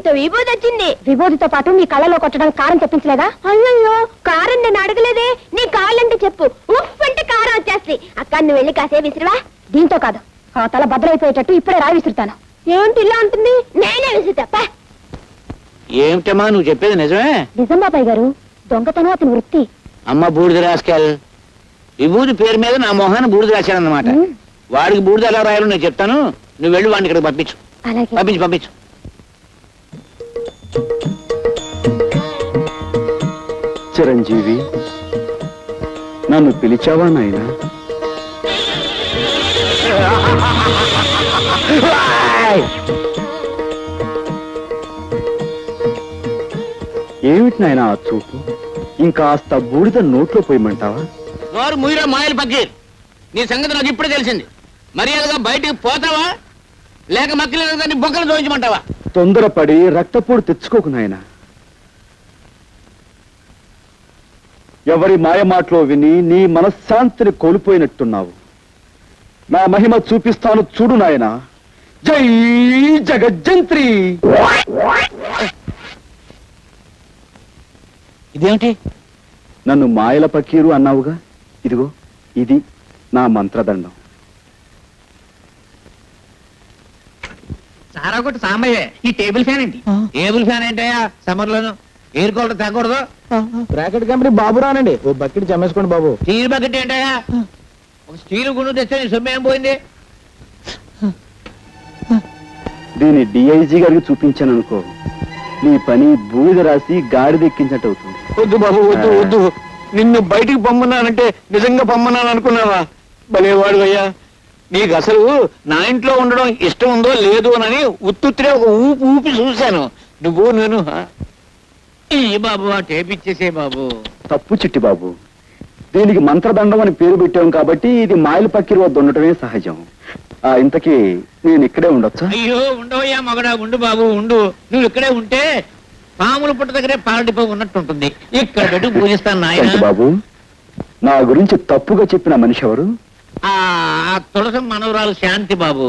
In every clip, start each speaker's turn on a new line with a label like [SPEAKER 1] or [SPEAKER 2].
[SPEAKER 1] విభూతి వచ్చింది. విభూతితో పాటు నీ కళ్ళలో కొట్టడానికి కారం తెప్పించలేదా? అయ్యో కారం నేను అడగలేదే. నీ కావాలంటే చెప్పు, ఉఫ్ అంటే కారం వచ్చేస్తుంది. అక్క నువ్వు వెళ్ళి కాసే విసిరివా. దీంతో కాదు, ఆ తల భద్రైపోయేటట్టు ఇప్పుడే రాయి విసురుతాను. ఏమిటి ఇలా ఉంటుంది? నేనే విసురుతా.
[SPEAKER 2] ఏమిటమ్మా నువ్వు చెప్పేది నిజమే?
[SPEAKER 1] నిజం బాబాయ్ గారు, దొంగతనం అతని వృత్తి.
[SPEAKER 2] అమ్మ బూడిద రాసుకెళ్. విభూతి పేరు మీద నా మొహాన్ని బూడిద రాశానన్నమాట. వాడికి బూడిద ఎలా రాయాలో నేను చెప్తాను, నువ్వు వెళ్ళి వాడిని ఇక్కడికి పంపించు. పంపించు పంపించు.
[SPEAKER 3] చిరంజీవి, నన్ను పిలిచావా నాయనా? ఏమిటి నాయనా ఆ చూపు? ఇంకాస్త బూడిద నోట్లో పోయమంటావా?
[SPEAKER 2] నోరు ముయిరా మాయలు పక్కీర్. నీ సంగతి నాకు ఇప్పుడే తెలిసింది. మర్యాదగా బయటికి పోతావా లేక మక్కలేదని బొక్కలు దోయించమంటావా?
[SPEAKER 3] తొందరపడి రక్తపోటు తెచ్చుకోకు నాయనా. ఎవరి మాయమాటలో విని నీ మనశ్శాంతిని కోల్పోయినట్టున్నావు. నా మహిమ చూపిస్తాను చూడు నాయనా. జై జగజ్జంత్రి.
[SPEAKER 2] ఇదేమిటి?
[SPEAKER 3] నన్ను మాయల పకీరు అన్నావుగా, ఇదిగో ఇది నా మంత్రదండం.
[SPEAKER 4] సారా కొట్టు సాంబయ్యే, ఈ టేబుల్ ఫ్యాన్ ఏంటి?
[SPEAKER 2] టేబుల్ ఫ్యాన్ ఏంటయ్యా? సమ్మర్ లోను ఎయిర్ కూలర్ తగ్గకూడదు.
[SPEAKER 4] బ్రాకెట్ కంపెనీ బాబు రానండి, ఓ బకెట్ చమ్మేసుకోండి బాబు.
[SPEAKER 2] స్టీల్ బకెట్ ఏంటయ్యా? ఒక స్టీల్ గుండు తెస్తే నీ సొమ్ము ఏం పోయింది?
[SPEAKER 3] దీన్ని డిఐజీ గారికి చూపించాను అనుకో, నీ పని బూడిద రాసి గాడిదెక్కించినట్టు అవుతుంది.
[SPEAKER 2] వద్దు బాబు, వద్దు వద్దు. నిన్ను బయటికి పొమ్మన్నానంటే నిజంగా పొమ్మన్నాను అనుకున్నావా? భలేవాడు అయ్యా. నీకు అసలు నా ఇంట్లో ఉండడం ఇష్టం ఉందో లేదో అని ఉత్తుత్తిరే ఒక ఊపి ఊపి చూశాను. నువ్వు నేను ఈ బాబు ఆ టేప్ ఇచ్చేసే బాబు.
[SPEAKER 3] తప్పు చిట్టి బాబు, దీనికి మంత్రదండం అని పేరు పెట్టాం కాబట్టి ఇది మాయల పక్కిరి వద్ద ఉండటమే సహజం. ఇంతకీ నేను ఇక్కడే ఉండొచ్చా?
[SPEAKER 2] అయ్యో ఉండవయ్యా మగడా, ఉండు బాబు ఉండు. నువ్వు ఇక్కడే ఉంటే పాముల పుట్ట దగ్గరే పాలడిపో ఉన్నట్టు ఉంటుంది. ఇక్కడ పెట్టి పూజిస్తాను నాయన.
[SPEAKER 3] బాబు, నా గురించి తప్పుగా చెప్పిన మనిషి ఎవరు?
[SPEAKER 2] ఆ తులసి మనవరాలు శాంతి బాబు.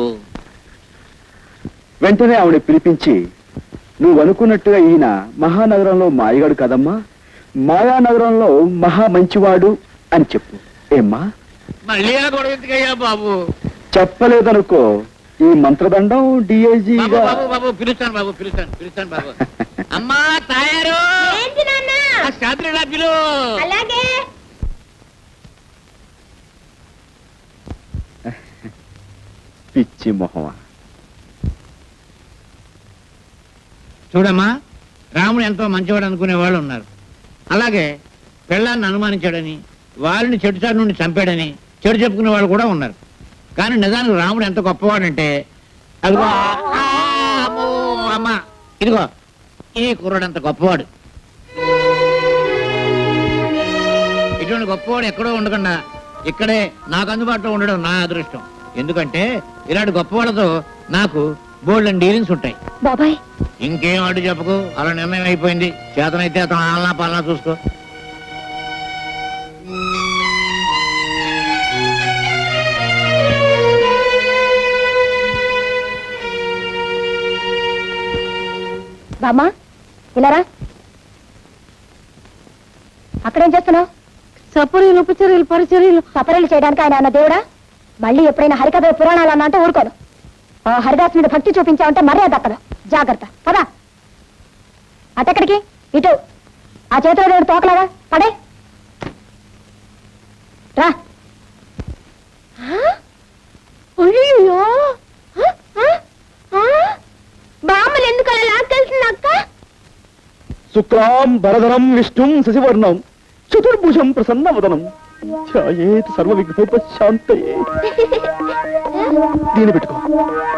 [SPEAKER 3] వెంటనే ఆవిడ పిలిపించి, నువ్వు అనుకున్నట్టుగా ఈయన మహానగరంలో మాయగాడు కదమ్మా, మాయానగరంలో మహా మంచివాడు అని చెప్పు. ఏమ్మా?
[SPEAKER 2] మళ్ళీ ఆ గొడవ ఎందుకయ్యా బాబు?
[SPEAKER 3] చెప్పలేదనుకో, ఈ మంత్రదండం డిఐజీ
[SPEAKER 2] బాబు బాబు పిలుస్తాను బాబు, పిలుస్తాను పిలుస్తాను బాబు. అమ్మా తయారు శాంతిలా పిలు.
[SPEAKER 1] అలాగే.
[SPEAKER 3] పిచ్చి మొహమా.
[SPEAKER 2] చూడమ్మా, రాముడు ఎంతో మంచివాడు అనుకునే వాళ్ళు ఉన్నారు. అలాగే పెళ్ళాన్ని అనుమానించాడని, వాళ్ళని చెడుచాటు నుండి చంపాడని చెడు చెప్పుకునే వాళ్ళు కూడా ఉన్నారు. కానీ నిజానికి రాముడు ఎంత గొప్పవాడంటే, అదిగో అమ్మా ఇదిగో ఈ కుర్రాడు అంత గొప్పవాడు. ఇటువంటి గొప్పవాడు ఎక్కడో ఉండకుండా ఇక్కడే నాకు అందుబాటులో ఉండడం నా అదృష్టం. ఎందుకంటే ఇలాంటి గొప్పవాళ్ళతో నాకు బోల్డెన్ డీలింగ్స్ ఉంటాయి.
[SPEAKER 1] బాబాయ్
[SPEAKER 2] ఇంకేం అడ్డు చెప్పకు, అలా నిర్ణయం అయిపోయింది. చేతనైతే అతను ఆలనా పాలనా చూసుకో.
[SPEAKER 1] బామ్మా ఇలారా. అక్కడేం చేస్తున్నావు? సపరీలు ఉపచర్యలు పరిచర్యలు. సపరీలు చేయడానికి ఆయన అన్న దేవుడా? మళ్ళీ ఎప్పుడైనా హరికథ పురాణాలు అన్నా అంటే ఊరుకోను. ఆ హరిదాస్ మీద భక్తి చూపించావంటే మర్యాద దక్కదు. జాగ్రత్త పదా. అటెక్కడికి? ఇటు. ఆ చేతిలో దేవుడు తోకలాగా పడే రా. అయ్యో బామ్మలు ఎందుకు అలా లాక్కెళ్తుంది అక్క?
[SPEAKER 3] శుక్లాం భరధరం విష్ణుం శశివర్ణం చతుర్భుజం ప్రసన్నవదనం ఛాయేత్ సర్వ విఘ్నోపశాంతయే. దీన్ని పెట్టుకో.